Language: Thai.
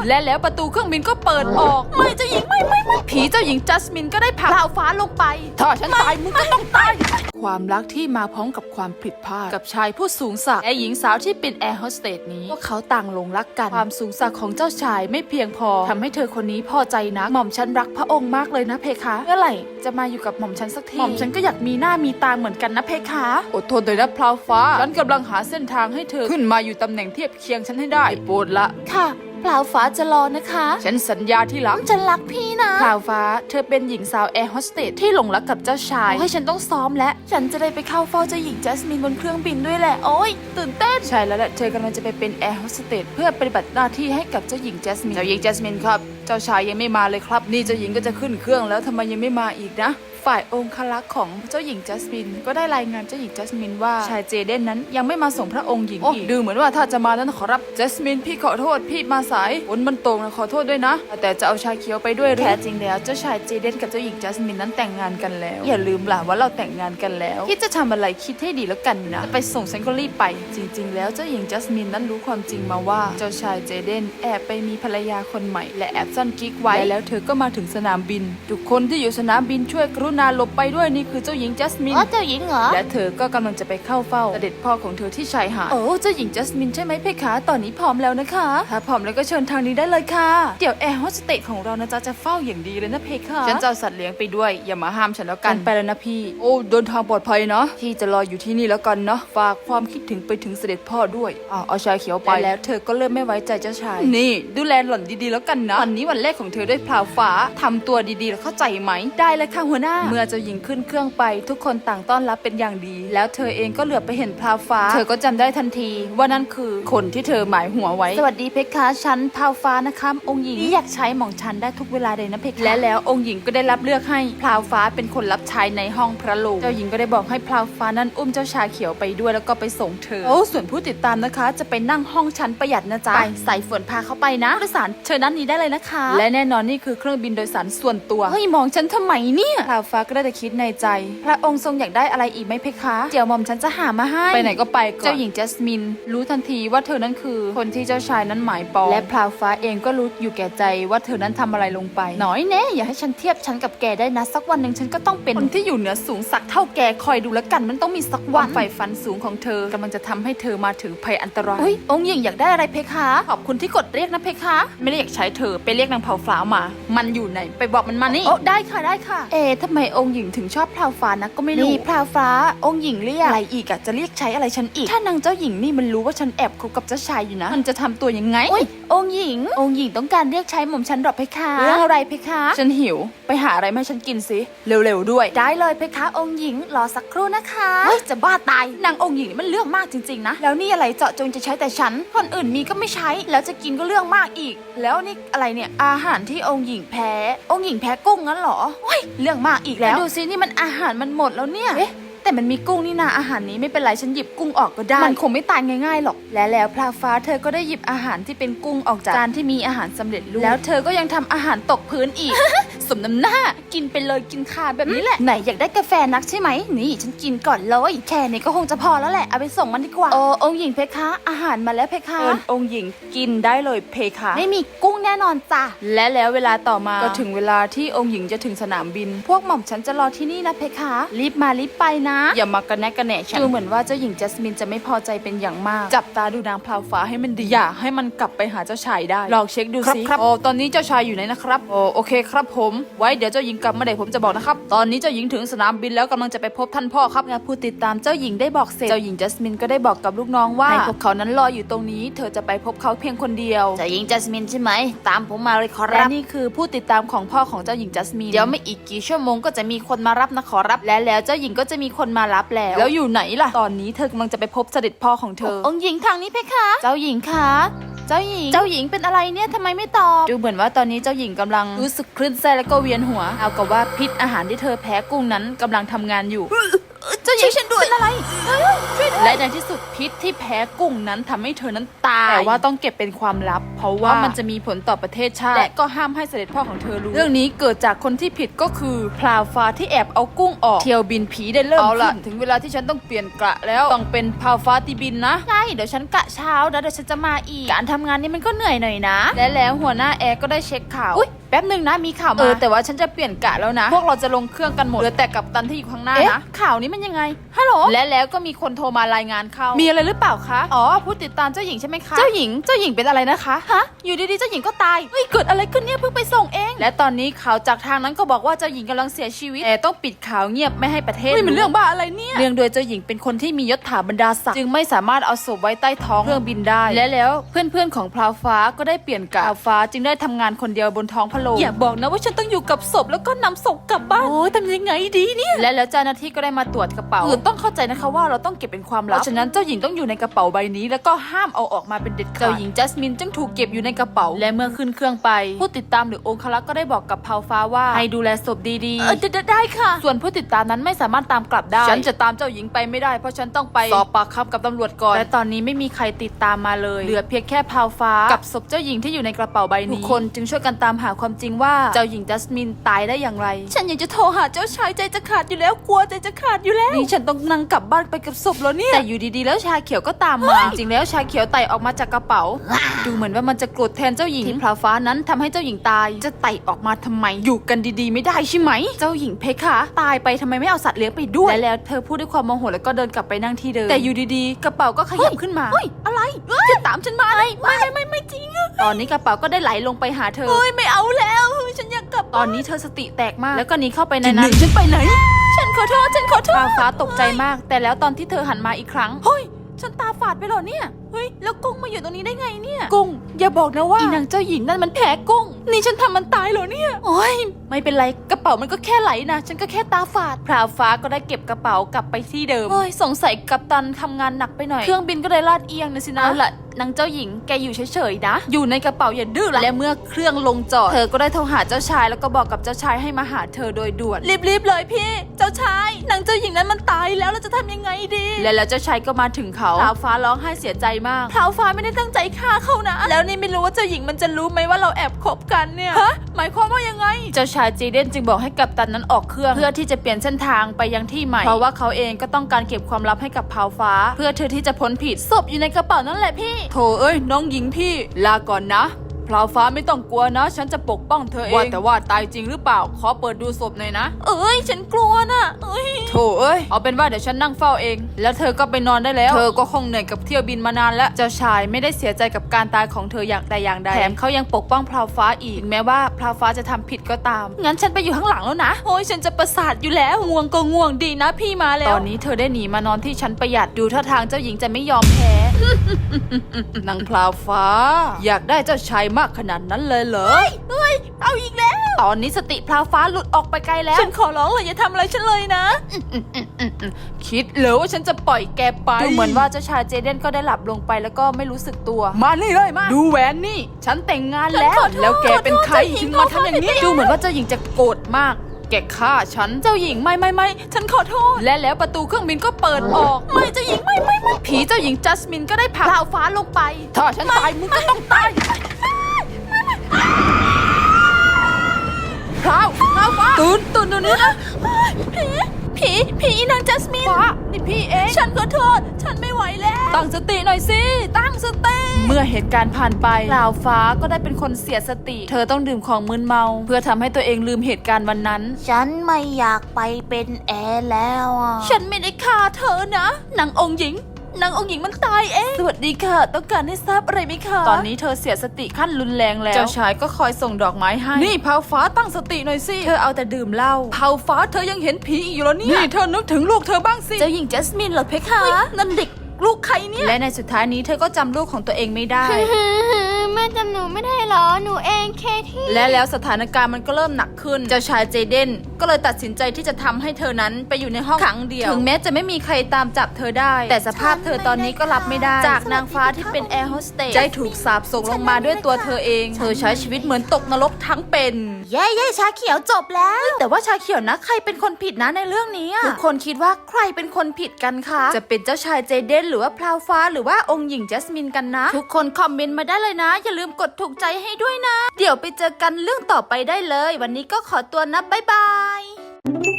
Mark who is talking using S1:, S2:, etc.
S1: และแล้วประตูเครื่องบินก็เปิดออกไม่เจ้าหญิงไม่ผีเจ้าหญิงจัสมินก็ได้ผลักพราวฟ้าลงไปถ้าฉันตายมึงก็ต้องตายความรักที่มาพร้อมกับความผิดพลาดกับชายผู้สูงศักดิ์และหญิงสาวที่เป็นแอร์โฮสเตสนี้พวกเขาต่างหลงรักกันความสูงศักดิ์ของเจ้าชายไม่เพียงพอทำให้เธอคนนี้พอใจนักหม่อมฉันรักพระองค์มากเลยนะเพคะเมื่อไหร่จะมาอยู่กับหม่อมฉันสักทีหม่อมฉันก็อยากมีหน้ามีตาเหมือนกันนะเพคะอดทนหน่อยนะพราวฟ้าฉันกำลังหาเส้นทางให้เธอขึ้นมาอยู่ตำแหน่งเทียบเคียงฉันให้ได้โปรดละค่ะพราวฟ้าจะรอนะคะฉันสัญญาที่รักฉันรักพี่นะพราวฟ้าเธอเป็นหญิงสาวแอร์โฮสเตสที่หลงรักกับเจ้าชายให้ฉันต้องซ้อมและฉันจะได้ไปเข้าเฝ้าเจ้าหญิงจัสมินบนเครื่องบินด้วยแหละโอ้ยตื่นเต้นใช่แล้วแหละเธอกำลังจะไปเป็นแอร์โฮสเตสเพื่อปฏิบัติหน้าที่ให้กับเจ้าหญิงจัสมินครับเจ้าชายยังไม่มาเลยครับนี่เจ้าหญิงก็จะขึ้นเครื่องแล้วทำไมยังไม่มาอีกนะฝ่ายองครักษ์ของเจ้าหญิงจัสมินก็ได้รายงานเจ้าหญิงจัสมินว่าชายเจเดนนั้นยังไม่มาส่งพระองค์หญิงอีกดูเหมือนว่าถ้าจะมานั้นขอรับจัสมินพี่ขอโทษพี่มาสายฝนมันตกนะขอโทษด้วยนะแต่จะเอาชาเขียวไปด้วยแท้จริงแล้วเจ้าชายเจเดนกับเจ้าหญิงจัสมินนั้นแต่งงานกันแล้วอย่าลืมล่ะว่าเราแต่งงานกันแล้วคิดจะทำอะไรคิดให้ดีแล้วกันนะไปส่งฉันก็รีบไปจริงๆแล้วเจ้าหญิงจัสมินนั้นรู้ความจริงมาว่าเจ้าชายเจเดนแอบไปมีภรรยาคนใหม่และแอบซ่อนกิ๊กไว้แล้วเธอก็มาถึงสนามบินทุกคนที่อยู่สนามบินช่วยกรุณาหลบไปด้วยนี่คือเจ้าหญิงจัสมิน
S2: เจ้าหญิงเหรอ
S1: และเธอก็กำลังจะไปเข้าเฝ้าเสด็จพ่อของเธอที่ชายหาดโอ้เจ้าหญิงจัสมินใช่ไหมเพคะตอนนี้พร้อมแล้วนะคะถ้าพร้อมแล้วก็เชิญทางนี้ได้เลยค่ะเดี๋ยวแอร์โฮสเตสของเรานะจ๊ะจะเฝ้าอย่างดีเลยนะเพคะฉันจะเอาสัตว์เลี้ยงไปด้วยอย่ามาห้ามฉันแล้วกันไปแล้วนะพี่โอ้เดินทางปลอดภัยเนาะพี่จะรออยู่ที่นี่แล้วกันเนาะฝากความคิดถึงไปถึงเสด็จพ่อด้วยเอาชาเขียวไปแล้วเธอก็เริ่มไม่ไว้ใจเจ้าชายนี่ดูแลหล่อนดีๆแล้วกันนะวันนี้วันแรกของเธอด้วยพราวฟ้าทำตัวดีๆแล้วเข้าใจไหมได้เลยค่ะหัวหน้าเมื่อเจ้าหญิงขึ้นเครื่องไปทุกคนต่างต้อนรับเป็นอย่างดีแล้วเธอเองก็เหลือบไปเห็นพราวฟ้าเธอก็จำได้ทันทีว่านั่นคือคนที่เธอหมายหัวไว้สวัสดีเพคะฉันพราวฟ้านะคะองค์หญิงที่อยากใช้หม่องฉันได้ทุกเวลาเลยนะเพคะและแล้วองค์หญิงก็ได้รับเลือกให้พราวฟ้าเป็นคนรับใช้ในห้องพระโรงเจ้าหญิงก็ได้บอกให้พราวฟ้านั้นอุ้มเจ้าชาเขียวไปด้วยแล้วก็ไปส่งเธอส่วนผู้ติดตามนะคะจะไปนั่งห้องชั้นประหยัดนะจ๊ะไปใส่ฝนพาเข้าไปนะผู้โดยสารเชิญด้านนี้ได้เลยนะคะและแน่นอนนี่คือเครื่องบินโดยสารส่วนตัวเฮ้ยมองฉันทำไมเนี่ยพราวฟ้าก็ได้แต่คิดในใจพระองค์ทรงอยากได้อะไรอีกไหมเพคะเดี๋ยวหม่อมฉันจะหามาให้ไปไหนก็ไปก่อนเจ้าหญิงจัสมินรู้ทันทีว่าเธอนั้นคือคนที่เจ้าชายนั้นหมายปองและพราวฟ้าเองก็รู้อยู่แก่ใจว่าเธอนั้นทำอะไรลงไปน้อยแน่อย่าให้ฉันเทียบฉันกับแกได้นะสักวันหนึ่งฉันก็ต้องเป็นคนที่อยู่เหนือสูงสักเท่าแกคอยดูแล้วกันมันต้องมีสักวันฝ่ายฝันสูงของเธอกำลังจะทำให้เธอมาถึงภัยอันตรายองค์หญิงอยากได้อะไรเพคะขอบคุณที่กดเรียกนะเพคะไม่ได้อยากใช้เธอไปเรียกนางเผาฟ้ามามันอยู่ไหนไปบอกมันมานี่โอ้ได้ค่ะได้ค่ะทำไมองค์หญิงถึงชอบพราวฟ้านะก็ไม่รู้นี่พราวฟ้าองค์หญิงเรียกอะไรอีกอะจะเรียกใช้อะไรฉันอีกถ้านางเจ้าหญิงนี่มันรู้ว่าฉันแอบคบกับเจ้าชายอยู่นะมันจะทำตัวยังไงองค์หญิงต้องการเรียกใช้หม่อมฉันหรอเพคะเรื่องอะไรเพคะฉันหิวไปหาอะไรมาให้ฉันกินสิเร็วๆด้วยได้เลยเพคะองค์หญิงรอสักครู่นะคะจะบ้าตายนางองค์หญิงมันเรื่องมากจริงๆนะแล้วนี่อะไรเจาะจงจะใช้แต่ฉันคนอื่นมีก็ไม่ใช้แล้วจะกินก็เรื่องมากอีกแล้วนี่อะไรเนี่ยอาหารที่องค์หญิงแพ้กุ้งงั้นเหรอเรื่องมากอีกแล้วดูสินี่มันอาหารมันหมดแล้วเนี่ยแต่มันมีกุ้งนี่นาอาหารนี้ไม่เป็นไรฉันหยิบกุ้งออกก็ได้มันคงไม่ตายง่ายๆหรอกและแล้วพราวฟ้าเธอก็ได้หยิบอาหารที่เป็นกุ้งออกจากจานที่มีอาหารสำเร็จรูปแล้วเธอก็ยังทำอาหารตกพื้นอีก สมน้ำหน้ากินไปเลยกินคาแบบนี้แหละไหนอยากได้กาแฟนักใช่ไหมนี่ฉันกินก่อนเลยแค่นี้ก็คงจะพอแล้วแหละเอาไปส่งมันดีกว่าองค์หญิงเพคะอาหารมาแล้วเพคะองค์หญิงกินได้เลยเพคะไม่มีกุ้งแน่นอนจ้ะและแล้วเวลาต่อมาก็ถึงเวลาที่องค์หญิงจะถึงสนามบินพวกหม่อมฉันจะรอที่นี่นะเพคะรีบมารีบไปนะอย่ามากระแนะกระแหน่ฉันดูเหมือนว่าเจ้าหญิงจัสมินจะไม่พอใจเป็นอย่างมากจับตาดูนางพราวฟ้าให้มันดีอย่าให้มันกลับไปหาเจ้าชายได้ลองเช็คดูสิครับตอนนี้เจ้าชายอยู่ไหนนะครับโอเคครับผมไว้เดี๋ยวเจ้าหญิงกลับมาเดี๋ยวผมจะบอกนะครับตอนนี้เจ้าหญิงถึงสนามบินแล้วกำลังจะไปพบท่านพ่อครับและผู้ติดตามเจ้าหญิงได้บอกเสร็จเจ้าหญิงจัสมินก็ได้บอกกับลูกน้องว่าให้พวกเขานั้นรออยู่ตรงนี้เธอจะไปพบเขาเพียงคนเดียวเจ้าหญิงจัสมินใช่ไหมตามผมมาเลยขอรับและนี่คือผู้ติดตามของพ่อของเจ้าหญิงจัสมินเดี๋ยวไม่อีกกี่ชั่วโมงก็จะมีคนมารับนะขอรับและแล้วเจ้าหญิงก็จะมีคนมารับแล้วอยู่ไหนล่ะตอนนี้เธอกำลังจะไปพบเสด็จพ่อของเธอองค์หญิงทางนี้เพคะเจ้าหญิงคะเจ้าหญิงเป็นอะไรเนี่ยทำไมไม่ตอบดูเหมือนว่าตอนนี้เจ้าหญิงกำลังรู้สึกคลื่นไส้แล้วก็เวียนหัวเอากับว่าพิษอาหารที่เธอแพ้กุ้งนั้นกำลังทำงานอยู่เจ้าจะช่วยฉันด้วยอะไรช่วยและในที่สุดพิษที่แพ้กุ้งนั้นทำให้เธอนั้นตายแต่ว่าต้องเก็บเป็นความลับเพราะว่ามันจะมีผลต่อประเทศชาติและก็ห้ามให้เสด็จพ่อของเธอรู้เรื่องนี้เกิดจากคนที่ผิดก็คือพลาวฟ้าที่แอบเอากุ้งออกเที่ยวบินผีได้เริ่มขึ้นถึงเวลาที่ฉันต้องเปลี่ยนกะแล้วต้องเป็นพลาวฟ้าที่บินนะใช่เดี๋ยวฉันกะเช้าแล้วเดี๋ยวฉันจะมาอีกการทำงานนี้มันก็เหนื่อยหน่อยนะและแล้วหัวหน้าแอร์ก็ได้เช็คข่าวแป๊บนึงนะมีข่าวมาแต่ว่าฉันจะเปลี่ยนกะแล้วนะพวกเราจะลงเครื่องกันหมดเหลือแต่กัปตันที่อยู่ข้างหน้านะข่าวนี้มันยังไงฮัลโหลและแล้วก็มีคนโทรมารายงานเข้ามีอะไรหรือเปล่าคะอ๋อผู้ติดตามเจ้าหญิงใช่ไหมคะเจ้าหญิงเป็นอะไรนะคะฮะอยู่ดีๆเจ้าหญิงก็ตายเฮ้ยเกิดอะไรขึ้นเนี่ยเพิ่งไปส่งเองและตอนนี้ข่าวจากทางนั้นก็บอกว่าเจ้าหญิงกำลังเสียชีวิตแต่ต้องปิดข่าวเงียบไม่ให้ประเทศมันเรื่องบ้าอะไรเนี่ยเนื่องโดยเจ้าหญิงเป็นคนที่มียศถาบรรดาศักดิ์จึงไม่สามารถเอาศพไว้ใต้ท้องเครื่องบินได้และแล้วเพื่อนๆของพลาวฟ้าก็ได้เปลี่ยนกะพลาวฟ้าจึงได้ทำงานคนเดียวบนท้องพระโรงอย่าบอกนะว่าฉันต้องอยู่กับศพแล้วก็นำศพกลับบ้านโอ้ยทำยังไงดีเนี่ยและแล้วเจ้าหน้าที่ก็ได้มาตรวจกระเป๋าต้องเข้าใจนะคะว่าเราต้องเก็บเป็นความลับเพราะฉะนั้นเจ้าหญิงต้องอยู่ในกระเป๋าใบนี้แล้วก็ห้ามเอาออกมาเป็นเด็ดขาดเจ้าหญิงจัสมินจึงถูกเก็บอยู่ในกระเป๋าและเมื่อขึ้นเครื่องไปผู้ติดตามหรือองครักษ์ก็ได้บอกกับพลาวฟ้าว่าให้ดูแลศพดีๆได้ค่ะส่วนผู้ติดตามนั้นไม่สามารถตามกลับได้ฉันจะตามเจ้าหญิงไปไม่ได้เพราะฉันต้องไปสอบปากคำกับตำรวจก่อนและตอนนี้ไม่มีใครติดตามมาเลยเหลือเพียงแค่พลาวฟ้ากับศพเจ้าหญิงที่อยู่ในกระเป๋าใบนี้ทุกคนจึงช่วยกันตามหาความจริงว่าเจ้าหญิงจัสมินตายได้อย่างไรฉันอยากจะโทรหาเจ้าชายใจจะขาดอยู่แล้วกลัวใจจะขาดอยู่แล้วนี่ฉันต้องนั่งกลับบ้านไปกับศพแล้วเนี่ยแต่อยู่ดีๆแล้วชาเขียวก็ตามมาจริงๆแล้วชาเขียวไต่ออกมาจากกระเป๋าดูเหมือนว่ามันจะโกรธแทนเจ้าหญิงที่พลาวฟ้านั้นทำให้เจ้าหญิงตายจะไต่ออกมาทำไมอยู่กันดีๆไม่ได้ใช่ไหมเจ้าหญิงเพคะตายไปทำไมไม่เอาสัตว์เลี้ยงไปด้วยและแล้วเธอพูดด้วยความโมโหแล้วก็เดินกลับไปนั่งที่เดิมแต่อยู่ดีๆกระเป๋าก็ขยับขึ้นมาเฮ้ยอะไรจะตามฉันมาไม่จริงตอนนี้กระเป๋าก็ได้ไหลลงไปหาเธอเฮ้ยไม่เอาแล้วฉันอยากกลับตอนนี้เธอสติแตกมากแล้วก็หนีเข้าไปในนั้นฉันไปไหนฉันขอโทษพลาวฟ้าตกใจมากแต่แล้วตอนที่เธอหันมาอีกครั้งเฮ้ยฉันตาฝาดไปหรอเนี่ยเฮ้ยแล้วกุ้งมาอยู่ตรงนี้ได้ไงเนี่ยกุ้งอย่าบอกนะว่าอีนางเจ้าหญิงนั่นมันแพ้กุ้งนี่ฉันทำมันตายเหรอเนี่ยโอ้ยไม่เป็นไรกระเป๋ามันก็แค่ไหลนะฉันก็แค่ตาฝาดพลาวฟ้าก็ได้เก็บกระเป๋ากลับไปที่เดิมเฮ้ยสงสัยกัปตันทำงานหนักไปหน่อยเครื่องบินก็ได้ลาดเอียงนะสินะละนางเจ้าหญิงแกอยู่เฉยๆนะอยู่ในกระเป๋าอย่าดื้อละและเมื่อเครื่องลงจอดเธอก็ได้โทรหาเจ้าชายแล้วก็บอกกับเจ้าชายให้มาหาเธอโดยด่วนรีบๆเลยพี่เจ้าชายนางเจ้าหญิงนั้นมันตายแล้วเราจะทำยังไงดีและแล้วเจ้าชายก็มาถึงเขาพลาวฟ้าร้องไห้เสียใจมากพลาวฟ้าไม่ได้ตั้งใจฆ่าเขานะแล้วนี่ไม่รู้ว่าเจ้าหญิงมันจะรู้ไหมว่าเราแอบคบกันเนี่ยฮะหมายความว่ายังไงเจ้าชายจีเดนจึงบอกให้กัปตันนั้นออกเครื่องเพื่อที่จะเปลี่ยนเส้นทางไปยังที่ใหม่เพราะว่าเขาเองก็ต้องการเก็บความลับให้กับพลาวฟ้าเพื่อเธอที่จะพ้นผิดศพอยู่ในกระเป๋านั่นแหละพี่โถเอ้ยน้องหญิงพี่ลาก่อนนะพลาวฟ้าไม่ต้องกลัวนะฉันจะปกป้องเธอเองว่าแต่ว่าตายจริงหรือเปล่าขอเปิดดูศพหน่อยนะเอ้ยฉันกลัวนะโถเอ้ยเอาเป็นว่าเดี๋ยวฉันนั่งเฝ้าเองแล้วเธอก็ไปนอนได้แล้วเธอก็คงเหนื่อยกับเที่ยวบินมานานแล้วเจ้าชายไม่ได้เสียใจกับการตายของเธออย่างใดอย่างใดแถมเขายังปกป้องพลาวฟ้าอีกแม้ว่าพลาวฟ้าจะทำผิดก็ตามงั้นฉันไปอยู่ข้างหลังแล้วนะโอ้ยฉันจะประสาทอยู่แล้วง่วงก็ง่วงดีนะพี่มาแล้วตอนนี้เธอได้หนีมานอนที่ชั้นประหยัดดูท่าทางเจ้าหญิงจะไม่ยอมแพ้ นางพลาวฟ้าอยากได้เจ้าชายมากขนาดนั้นเลยเหรอเฮ้ยเอาอีกแล้วตอนนี้สติพลาวฟ้าหลุดออกไปไกลแล้วฉันขอร้องเลยอย่าทำอะไรฉันเลยนะคิดเลยว่าฉันจะปล่อยแกไปดูเหมือนว่าเจ้าชายเจเดนก็ได้หลับลงไปแล้วก็ไม่รู้สึกตัวมานี่เลยมาดูแหวนนี่ฉันแต่งงานแล้วแกเป็นใครถึงมาทำอย่างนี้ดูเหมือนว่าเจ้าหญิงจะโกรธมากแกฆ่าฉันเจ้าหญิงไม่ฉันขอโทษและแล้วประตูเครื่องบินก็เปิดออกไม่เจ้าหญิงไม่ผีเจ้าหญิงจัสมินก็ได้ผลักพลาวฟ้าลงไปถ้าฉันตายมึงก็ต้องตายพลาวฟ้าตื่นดูนี้นะผีนางจัสมินฟ้านี่พี่เองฉันขอโทษฉันไม่ไหวแล้วตั้งสติหน่อยสิตั้งสติเมื่อเหตุการณ์ผ่านไปพลาวฟ้าก็ได้เป็นคนเสียสติเธอต้องดื่มของมึนเมาเพื่อทำให้ตัวเองลืมเหตุการณ์วันนั้น
S2: ฉันไม่อยากไปเป็นแอร์แล้ว
S1: ฉันไม่ได้ฆ่าเธอนะนางองค์หญิงมันตายเองสวัสดีค่ะต้องการให้ทราบอะไรไหมคะตอนนี้เธอเสียสติขั้นรุนแรงแล้วเจ้าชายก็คอยส่งดอกไม้ให้นี่พลาวฟ้าตั้งสติหน่อยสิเธอเอาแต่ดื่มเหล้าพลาวฟ้าเธอยังเห็นผีอยู่แล้วนี่เธอนึกถึงลูกเธอบ้างสิเจ้าหญิงจัสมินเหรอเพคะนั่นเด็กลูกใครเนี่ยและในสุดท้ายนี้เธอก็จำลูกของตัวเองไม่ได้
S2: แม่จำหนูไม่ได้เหรอหนูเองเคที่
S1: และแล้วสถานการณ์มันก็เริ่มหนักขึ้นเจ้าชายเจเดนก็เลยตัดสินใจที่จะทำให้เธอนั้นไปอยู่ในห้องขังเดียวถึงแม้จะไม่มีใครตามจับเธอได้ แต่สภาพเธอตอนนี้ก็รับไม่ได้จากนางฟ้าที่เป็นแอร์โฮสเตสได้ถูกสาปส่งลงมาด้วยตัวเธอเองเธอใช้ชีวิตเหมือนตกนรกทั้งเป็น
S2: เย้ชาเขียวจบแล้ว
S1: แต่ว่าชาเขียวนะใครเป็นคนผิดนะในเรื่องนี้ทุกคนคิดว่าใครเป็นคนผิดกันคะจะเป็นเจ้าชายเจเดนหรือว่าพราวฟ้าหรือว่าองค์หญิงจัสมินกันนะทุกคนคอมเมนต์มาได้เลยนะอย่าลืมกดถูกใจให้ด้วยนะเดี๋ยวไปเจอกันเรื่องต่อไปได้เลยวันนี้ก็ขอตัวนะบ๊ายบาย